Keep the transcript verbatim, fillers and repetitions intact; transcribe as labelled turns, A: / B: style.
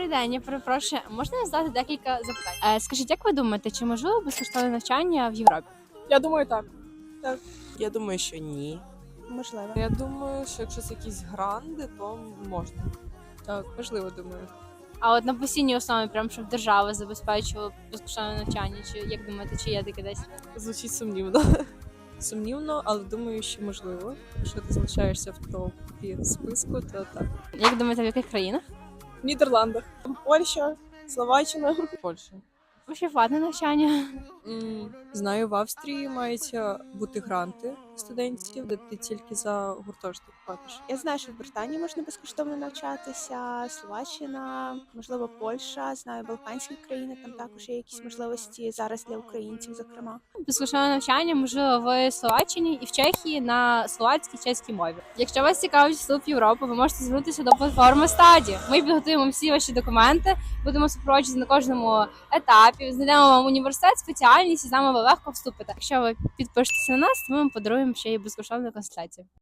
A: Добрий день, я перепрошую. Можна задати декілька запитань? Е, скажіть, як ви думаєте, чи можливо безкоштовне навчання в Європі?
B: Я думаю, так.
C: Я думаю, що ні.
B: Можливо.
D: Я думаю, що якщо це якісь гранди, то можна.
B: Так, можливо, думаю.
A: А от на постійній основі, прям щоб держава забезпечувала безкоштовне навчання, чи як думаєте, чи є таке десь?
D: Звучить сумнівно. Сумнівно, але думаю, що можливо. Якщо ти залишаєшся в топі списку, то так.
A: Як думаєте, в яких країнах?
B: В Нідерландах. Польща, Словаччина.
D: Польща.
A: Ще платне навчання.
D: М, Знаю, в Австрії мають е, бути гранти студентів, де ти тільки за гуртожиток платиш.
E: Я знаю, що в Британії можна безкоштовно навчатися, Словаччина, можливо, Польща, знаю, Балканські країни, там також є якісь можливості зараз для українців, зокрема.
A: Безкоштовне навчання можливо в Словаччині і в Чехії на словацькій чеській мові. Якщо вас цікавить вступ в Європу, ви можете звернутися до платформи Стаді. Ми підготуємо всі ваші документи, будемо супроводжувати на кожному етапі, знайдемо вам університет, спеціальність і з нами ви легко вступите. Якщо ви підпишетеся на нас, то ми вам подаруємо ще й безкоштовну консультацію.